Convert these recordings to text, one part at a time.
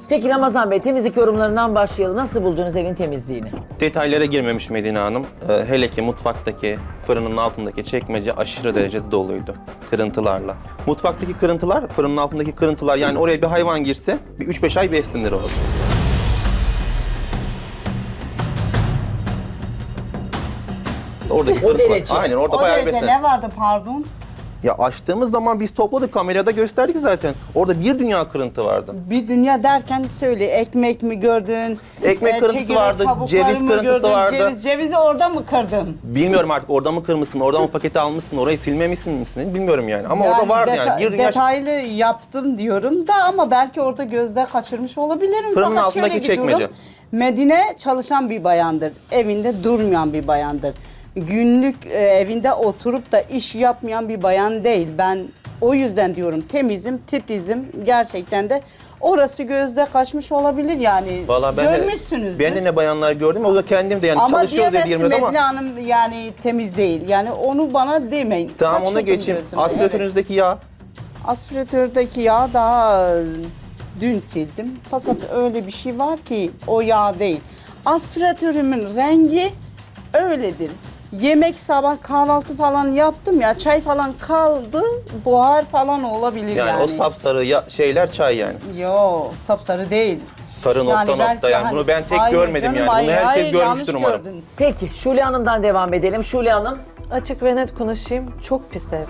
Peki Ramazan Bey, temizlik yorumlarından başlayalım. Nasıl buldunuz evin temizliğini? Detaylara girmemiş Medine Hanım. Hele ki mutfaktaki, fırının altındaki çekmece aşırı derecede doluydu. Kırıntılarla. Mutfaktaki kırıntılar, fırının altındaki kırıntılar, yani oraya bir hayvan girse bir 3-5 ay beslenir orada. Oradaki O kırıntılar. derece. Aynen, orada O bayağı derece beslenir. ne vardı pardon? Ya açtığımız zaman biz topladık, kamerada gösterdik zaten. Orada bir dünya kırıntı vardı. Bir dünya derken söyle, ekmek mi gördün? Ekmek kırıntısı çekirdek vardı, kabukları ceviz mı kırıntısı gördün? vardı. Cevizi orada mı kırdın? Bilmiyorum artık, orada mı kırmışsın, orada mı paketi almışsın, orayı silmemişsin misin bilmiyorum yani. Ama orada vardı yani. Bir dünya detaylı yaptım diyorum da ama belki orada gözde kaçırmış olabilirim. Fırının Fakat altındaki şöyle bir çekmece. durum, Medine çalışan bir bayandır. Evinde durmayan bir bayandır. Günlük evinde oturup da iş yapmayan bir bayan değil. Ben o yüzden diyorum temizim, titizim gerçekten de orası gözde kaçmış olabilir yani. Vallahi görmüşsünüzdür. Ben de ne bayanlar gördüm, o da kendim de yani Ama çalışıyoruz diye diyemezsin diyemiyorum Medine ama. Hanım yani temiz değil. Yani onu bana demeyin. Tamam, onu Kaçırdım geçeyim. gözüme. Aspiratörünüzdeki yağ. Aspiratördeki yağ daha dün sildim. Fakat öyle bir şey var ki o yağ değil. Aspiratörümün rengi öyledir. Yemek sabah kahvaltı falan yaptım ya, çay falan kaldı, buhar falan olabilir yani. O sapsarı şeyler çay yani. Yo, sapsarı değil. Sarı nokta belki nokta yani. hani- Bunu ben tek Hayır görmedim canım, yani. hayır, Bunu herkes hayır, yanlış görmüştür umarım. gördün. Peki Şule Hanım'dan devam edelim. Şule Hanım. Açık ve net konuşayım. Çok pis ev.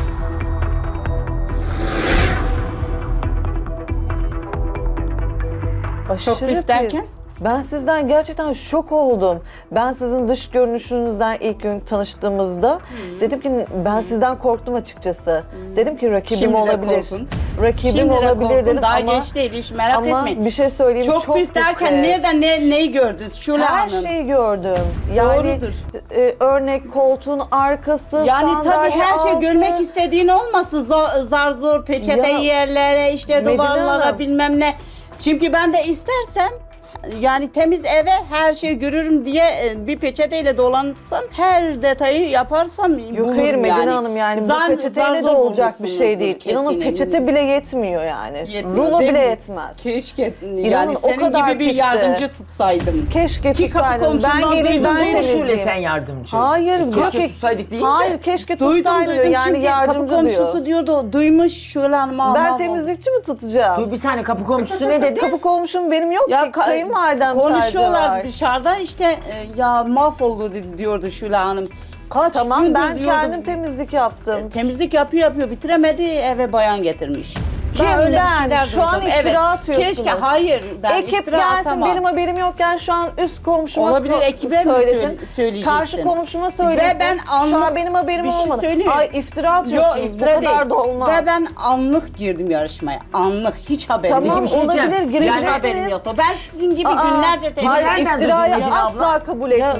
Aşırı Çok pis derken? Ben sizden gerçekten şok oldum. Ben sizin dış görünüşünüzden ilk gün tanıştığımızda dedim ki ben sizden korktum açıkçası. Dedim ki rakibim Şimdi de olabilir. korkun. Rakibim Şimdi de olabilir korkun, dedim daha ama geç değil, hiç merak ama etmeyin. bir şey söyleyeyim, Çok pis derken ev. nereden neyi gördünüz Şule Her Hanım? şeyi gördüm. Yani Doğrudur. Örnek koltuğun arkası, Yani tabii sandalye her şey altı. görmek istediğin olmasın. Zar zor peçete Ya, yerlere, işte Medine duvarlara Hanım. bilmem ne. Çünkü ben de istersem yani temiz eve her şeyi görürüm diye bir peçeteyle dolansam, her detayı yaparsam Yok bulurum hayır Medine yani. Hanım, yani bu Zar peçeteyle de zor olacak bir şey değil. bulmuşsunuzdur İnanın kesin peçete eminim. bile yetmiyor yani. Yetmiyor, Rulo değil bile mi? yetmez. Keşke İnanın yani o senin kadar gibi bir pisti. yardımcı tutsaydım. Keşke Ki kapı tutsaydım. Ben komşundan geleyim, duydum, ben değil mi Şule temizleyeyim. sen yardımcı. Hayır, Keşke yok. tutsaydık deyince. Hayır, keşke Duydum tutsaydı diyor. Yani çünkü kapı yardımcı komşusu diyor. diyordu, duymuş Şule Hanım. Ben temizlikçi mi tutacağım? Dur bir saniye, kapı komşusu ne dedi? Kapı komşum benim yok ki. Kayınvalidem konuşuyorlar sadece var. dışarıda işte ya mahvoldu diyordu Şule Hanım. Kaç Tamam, gündür ben diyordu. kendim temizlik yaptım. Temizlik yapıyor bitiremedi, eve bayan getirmiş. Kim? öyle bir Ben? şeyler Şu an duydum. iftira atıyorsunuz. Keşke hayır ben Ekip iftira gelsin, atamam. benim haberim yokken şu an üst komşuma Olabilir, ekibe mi söylesin. söyleyeceksin? Karşı komşuma söylesin. Ve ben Şu an anlık benim haberim bir şey olmadı. söyleyeyim mi? Ay iftira atıyorsunuz. Yok iftira Bu kadar da olmaz. Ve ben anlık girdim yarışmaya. Anlık, hiç haberim Tamam, yok. bir şey diyeceğim. olabilir, Yani Hiç gireceksiniz. haberim yoktu. Ben sizin gibi Aa, günlerce hayır, temizlik nereden iftirayı duydun Medine asla abla? kabul etmiyorum.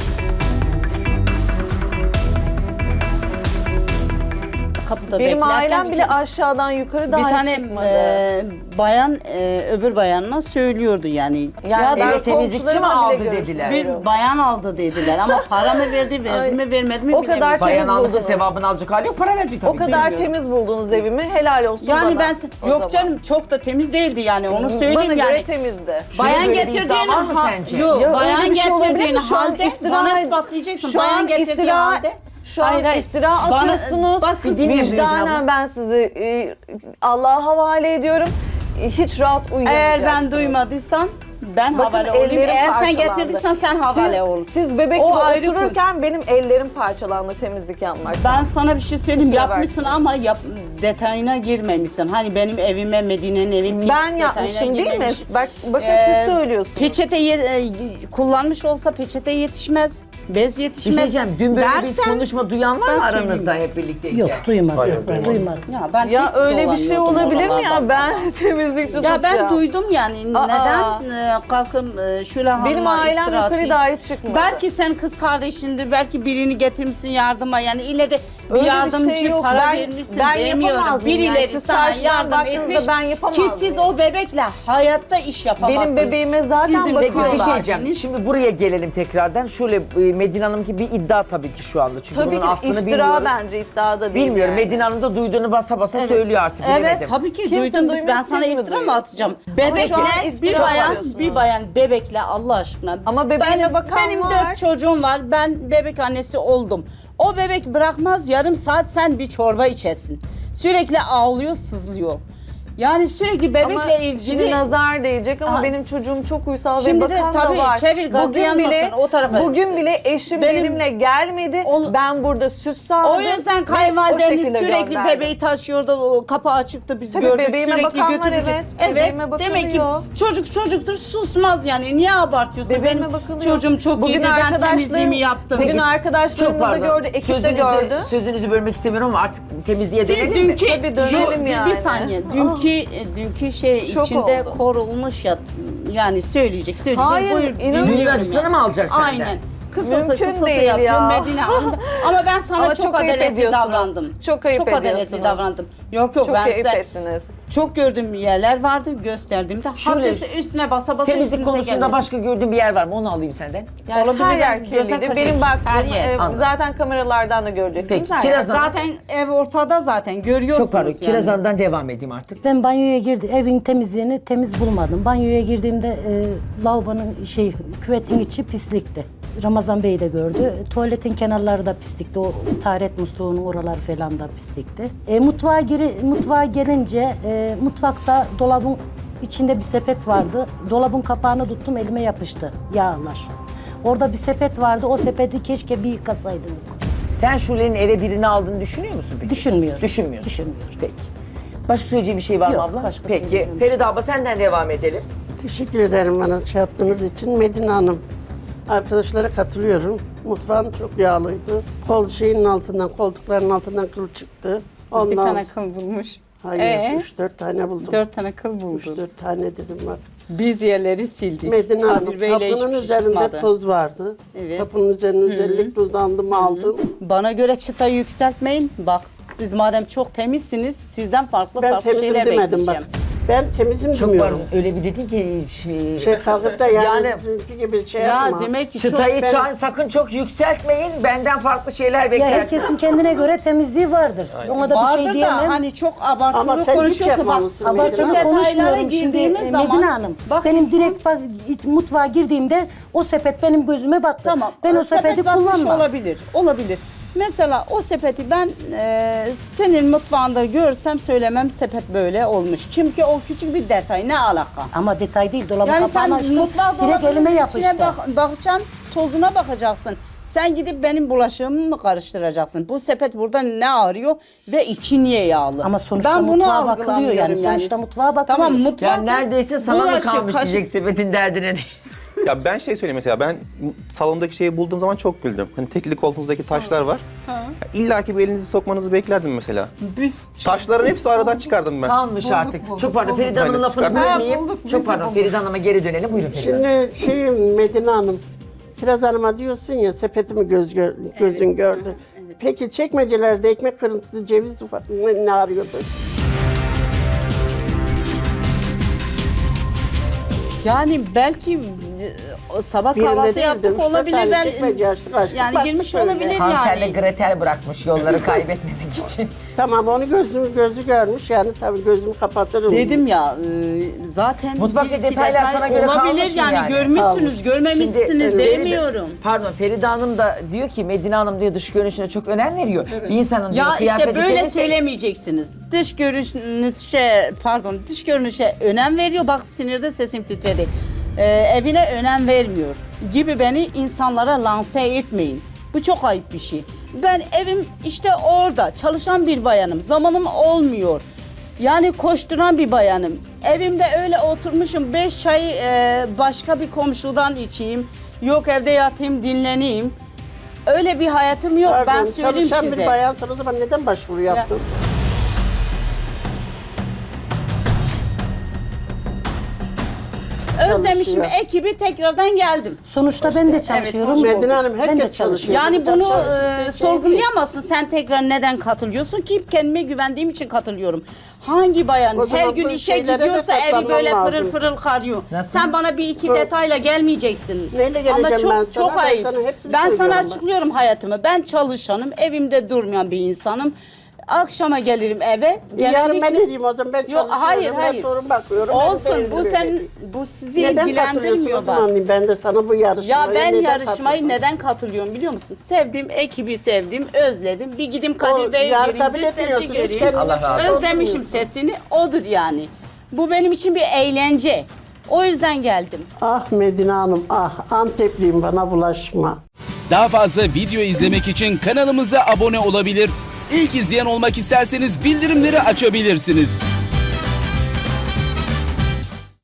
kapıda Benim beklerken ailem bile aşağıdan yukarı bir daha tane çıkmadı. bayan öbür bayanına söylüyordu yani. Yani ya ben Eve temizlikçi mi komşularımla aldı bile dediler? bir bayan aldı dediler ama para mı verdi, verdi mi vermedi mi O kadar bilemiyorum. Bayan temiz almışsa buldunuz. sevabını alacak hali yok, para verecek tabii. O kadar bilmiyorum. temiz buldunuz evimi. Helal olsun Yani bana. ben o yok zaman. canım çok da temiz değildi yani onu söyleyeyim Bana yani. göre temizdi. Bayan Şöyle bir getirdiğin iddia var mı sence? Yok, Ya öyle bayan bir şey olabilir getirdiğin mi? Şu an halde iftira- bana ispatlayacaksın. Şu Bayan an getirdiğin iftira- halde. Şu an iftira Bana- atıyorsunuz. bak, bir dinle Medine abla. Vicdanen ben sizi Allah'a havale ediyorum. Hiç rahat Eğer uyuyamayacaksınız. ben duymadıysam ben Bakın, havale olayım. ellerim Eğer sen parçalandı. getirdiysen sen havale ol. Siz bebek O gibi ayrı konu. otururken benim ellerim parçalandı temizlik yapmak. Ben sana bir şey söyleyeyim. Kusura Yapmışsın ama detayına girmemişsin. Hani benim evime, Medine'nin evi pis Ben detayına yapmışım değil mi? girmemiş. Bakın siz söylüyorsunuz. Peçete kullanmış olsa peçete yetişmez. Bez Bir yetişmez. şey diyeceğim, dün böyle bir dersen, konuşma duyan var ben mı aranızda söyleyeyim. hep birlikteyken? Yok duymadım. Hayır, Yok, duymadım. duymadım. Ya ben Ya tek öyle bir şey dolanıyordum olabilir mi oralarda ya? Ben temizlikçi Ya tutacağım. ben duydum yani Aa. neden kalkıp Şule Hanım'a Benim ailem iftira yukarı atayım? dahi çıkmadı. Belki sen kız kardeşindir, belki birini getirmişsin yardıma yani ille de bir Öyle bir yardımcı şey yok. para Ben- vermişsin ben demiyorum. yapamaz mıyım yani? Birileri Siz sana karşıdan yardım baktığınızda etmiş ben yapamaz ki siz mıyım? o bebekle hayatta iş yapamazsınız. Benim bebeğime zaten Sizin Peki bir bakıyorlar. şey diyeceğim. Şimdi buraya gelelim tekrardan. Şöyle Medine Hanım ki bir iddia tabii ki şu anda. Çünkü Tabii bunun ki aslını iftira bilmiyoruz. bence iddiada değil Bilmiyorum. yani. Medine Hanım da duyduğunu basa basa söylüyor artık. Evet bilemedim. tabii ki Kimse duydunuz. Ben duymuyor, sana siz mi iftira mı duyuyorsunuz? atacağım? Ama Bebekle şu an iftira bir bayan bebekle Allah aşkına. Ama bebeğine bakan benim var. 4 çocuğum var. Ben bebek annesi oldum. O bebek bırakmaz yarım saat sen bir çorba içesin. Sürekli ağlıyor, sızlıyor. Yani sürekli bebekle Ama ilgili şimdi nazar değecek ama Aha. benim çocuğum çok uysal Şimdi ve de bakan tabii da var. çevir, gazı yanmasın, o tarafa Bugün gitsin. bile eşim Benim- benimle gelmedi. Ben burada süs sağladım. o yüzden ve o kayınvalideniz şekilde sürekli gönderdim. bebeği taşıyordu, o kapağı açıktı, biz Tabii gördük bebeğime sürekli bakan var, götürdük. evet. Evet, Bebeğime demek ki bakılıyor. çocuk çocuktur, susmaz yani. Niye abartıyorsun? Bebeğime Benim bakılıyor. çocuğum çok Bugün iyiydi, ben arkadaşlarım- temizliğimi yaptım. Bugün Çok arkadaşlarımız da pardon. gördü, ekip de gördü. Sözünüzü bölmek istemiyorum ama artık temizliğe Siz dönelim mi? dünkü, Tabii dönelim bir yani. saniye, dünkü şey Şok içinde oldum. korulmuş ya, yani söyleyecek. Hayır, Buyur, inanın- dinliyorum Düğün ya. acısını mı alacak senden? Aynen. Kısası Mümkün değil yapıyor ya. Medine Hanım. Ama ben sana Ama çok çok ayıp adaletli ediyorsunuz. davrandım. Çok ayıp adaletli ediyorsunuz. davrandım. Yok Çok ben keyif size ettiniz. çok gördüğüm yerler vardı, gösterdiğimde. Şöyle, Hatta üstüne basa basa Temizlik üstünüze konusunda gelmedi. başka gördüğün bir yer var mı? Onu alayım senden. Yani Olabilir, her yer ben gözden kirliydi. kaçırmış. Benim baktığım Her yer. Anladım. zaten kameralardan da göreceksiniz. Peki, her Kiraz yer. Hanım. Zaten ev ortada zaten görüyorsunuz Çok pardon. yani. Kiraz Hanım'dan devam edeyim artık. Ben banyoya girdim. Evin temizliğini temiz bulmadım. Banyoya girdiğimde lavabonun küvetin içi pislikti. Ramazan Bey de gördü. Tuvaletin kenarları da pislikti. O taharet musluğunun oraları falan da pislikti. Mutfağa gelince mutfakta dolabın içinde bir sepet vardı. Dolabın kapağını tuttum, elime yapıştı yağlar. Orada bir sepet vardı. O sepeti keşke bir yıkasaydınız. Sen Şule'nin eve birini aldığını düşünüyor musun peki? Düşünmüyorum. Düşünmüyorsun. Düşünmüyorum. Peki. Başka söyleyeceğim bir şey var mı Yok, abla? başka Peki. söyleyeceğim. Feride abla senden devam edelim. Teşekkür ederim bana şey yaptığınız için. Medine Hanım, arkadaşlara katılıyorum. Mutfağım çok yağlıydı. Şeyin altından, koltukların altından kıl çıktı. Bir tane Ondan kıl bulmuş. hayır, 3-4 tane buldum. 4 tane kıl bulmuş. 3-4 tane dedim bak. Biz yerleri sildik. Medine Hanım, Kadir Bey'le kapının hiçbir şey üzerinde çıkmadı. toz vardı. Evet. Kapının üzerine özellikle uzandım, aldım. Bana göre çıtayı yükseltmeyin. Bak siz madem çok temizsiniz, sizden farklı Ben farklı temizim şeyler demedim bekleyeceğim. bak. Ben temizim Çok demiyorum. pardon. Öyle bir dedin ki Şey kalkıp da yani, Yani- dünkü gibi şey Ya yapma. demek ki çok... çıtayı ben- sakın çok yükseltmeyin. Benden farklı şeyler Ya beklersin. herkesin kendine göre temizliği vardır. Ona da bir Vardır şey da diyemem. hani çok abartılı Ama sen hiç konuşuyorsun. Bak, yapmamışsın Medine Abartılı Hanım. detaylara konuşmuyorum. Şimdi girdiğimiz zaman... Medine Hanım, bak benim insan- direkt mutfağa girdiğimde o sepet benim gözüme battı. Tamam. Ben o sepeti sepet batmış kullanmam. olabilir. Olabilir. Mesela o sepeti ben senin mutfağında görsem söylemem sepet böyle olmuş. Çünkü o küçük bir detay, ne alaka? Ama detay değil, dolabın Yani sen kapağını açtım, mutfağa direkt elime dolabının yapıştı. içine bakacaksın, tozuna bakacaksın. Sen gidip benim bulaşığımı mı karıştıracaksın? Bu sepet burada ne arıyor ve içi niye yağlı? Ama sonuçta ben bunu mutfağa bakılıyor algılamıyorum yani. Sonuçta mutfağa bakılıyor. Tamam mutfak. Yani neredeyse sana mı bulaşık, kalmış kaşık- diyecek sepetin derdine değil. Ya ben şey söyleyeyim mesela, ben salondaki şeyi bulduğum zaman çok güldüm. Hani tekli koltuğunuzdaki taşlar var. İlla ki bir elinizi sokmanızı beklerdim mesela. Biz Taşların hepsi aradan çıkardım ben. Kalmış artık. Çok pardon Feride Hanım'ın Aynen, lafını çıkar. bölmeyeyim. Çok pardon Feride Hanım'a geri dönelim. Buyurun Feride Hanım. Şimdi Medine Hanım, Kiraz Hanım'a diyorsun ya sepetimi gözün gördü. Peki çekmecelerde ekmek kırıntısı, ceviz ufak ne arıyordu? yani belki sabah Bir yerinde kahvaltı değildim, yaptık üç dört olabilir. tane Ben, çekmece açtık, yani baktık girmiş böyle. olabilir Hansel'le yani. Gretel bırakmış yolları kaybetmemek için. Tamam onu gözü görmüş yani tabii gözümü kapatırım. Dedim ya zaten Mutfakta bir iki detaylar detay sana göre olabilir kalmış yani, yani. görmüşsünüz, Kalmış. görmemişsiniz Şimdi, demiyorum. Pardon Feride Hanım da diyor ki Medine Hanım diyor dış görünüşüne çok önem veriyor. Bir insanın diyor Ya kıyafeti işte böyle temizse- söylemeyeceksiniz. Dış görünüşe önem veriyor. Bak sinirde sesim titredi. Evine önem vermiyor gibi beni insanlara lanse etmeyin. Bu çok ayıp bir şey. Ben evim işte orada çalışan bir bayanım. Zamanım olmuyor. Yani koşturan bir bayanım. Evimde öyle oturmuşum 5 çay başka bir komşudan içeyim. Yok evde yatayım dinleneyim. Öyle bir hayatım yok, ben Pardon, söyleyeyim çalışan size. bir bayansan o zaman neden başvuru yaptın? özlemişim çalışıyor. ekibi, tekrardan geldim. Sonuçta ben de çalışıyorum. Medine Hanım, Ben de herkes çalışıyor. Yani bunu Çalışan- sorgulayamazsın. Sen tekrar neden katılıyorsun ki? Kendime güvendiğim için katılıyorum. Hangi bayan O her zaman gün bu işe şeylere de gidiyorsa evi katlanman böyle lazım. pırıl pırıl karıyor. Nasıl? Sen bana bir iki detayla gelmeyeceksin. Neyle Ama geleceğim çok ben sana? çok Ben ayıp. sana hepsini Ben sana söylüyorum bak. açıklıyorum hayatımı. Ben çalışanım, evimde durmayan bir insanım. Akşama gelirim eve. Yarın ben ne diyeyim o zaman? Ben Yok, çalışıyorum. hayır, hayır. Ben torun bakıyorum. Olsun, benim de bu evim sen öyle. bu sizi Neden ilgilendirmiyor katılıyorsun o bak. zaman diyeyim ben de sana bu yarışmaya. Ya ben neden yarışmayı katıldım? neden katılıyorum biliyor musun? Sevdiğim ekibi sevdim, özledim. Bir gideyim Kadir Bey'e yarın gireyim, kabul bir sesi etmiyorsun, hiç göreyim. kendine Allah razı olsun. Özlemişim sesini, odur yani. Bu benim için bir eğlence. O yüzden geldim. Ah Medine Hanım, ah Antepliyim, bana bulaşma. Daha fazla video izlemek için kanalımıza abone olabilir. İlk izleyen olmak isterseniz bildirimleri açabilirsiniz.